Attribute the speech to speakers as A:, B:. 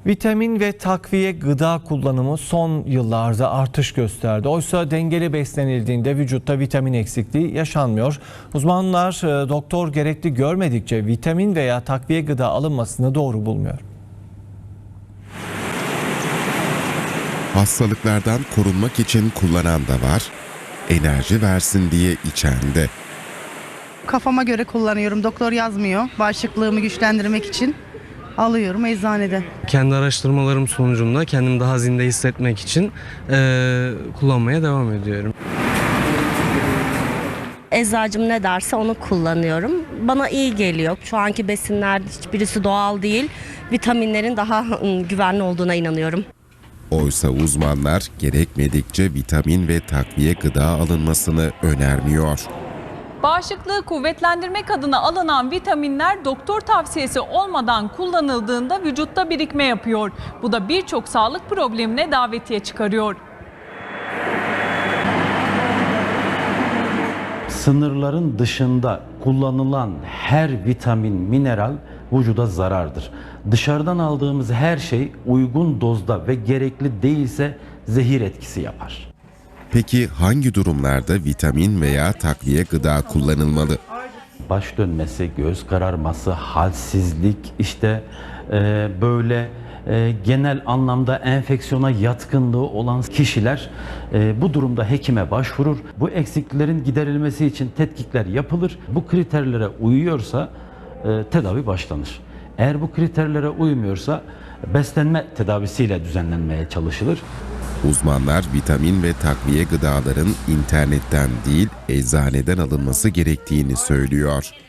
A: Vitamin ve takviye gıda kullanımı son yıllarda artış gösterdi. Oysa dengeli beslenildiğinde vücutta vitamin eksikliği yaşanmıyor. Uzmanlar doktor gerekli görmedikçe vitamin veya takviye gıda alınmasını doğru bulmuyor.
B: Hastalıklardan korunmak için kullanan da var, enerji versin diye içen de.
C: Kafama göre kullanıyorum. Doktor yazmıyor. Bağışıklığımı güçlendirmek için alıyorum eczaneden.
D: Kendi araştırmalarım sonucunda kendimi daha zinde hissetmek için kullanmaya devam ediyorum.
E: Eczacım ne derse onu kullanıyorum. Bana iyi geliyor. Şu anki besinler hiçbirisi doğal değil. Vitaminlerin daha güvenli olduğuna inanıyorum.
B: Oysa uzmanlar gerekmedikçe vitamin ve takviye gıda alınmasını önermiyor.
F: Bağışıklığı kuvvetlendirmek adına alınan vitaminler doktor tavsiyesi olmadan kullanıldığında vücutta birikme yapıyor. Bu da birçok sağlık problemine davetiye çıkarıyor.
G: Sınırların dışında kullanılan her vitamin, mineral vücuda zarardır. Dışarıdan aldığımız her şey uygun dozda ve gerekli değilse zehir etkisi yapar.
B: Peki hangi durumlarda vitamin veya takviye gıda kullanılmalı?
G: Baş dönmesi, göz kararması, halsizlik, genel anlamda enfeksiyona yatkınlığı olan kişiler bu durumda hekime başvurur. Bu eksikliklerin giderilmesi için tetkikler yapılır. Bu kriterlere uyuyorsa tedavi başlanır. Eğer bu kriterlere uymuyorsa beslenme tedavisiyle düzenlenmeye çalışılır.
B: Uzmanlar vitamin ve takviye gıdaların internetten değil eczaneden alınması gerektiğini söylüyor.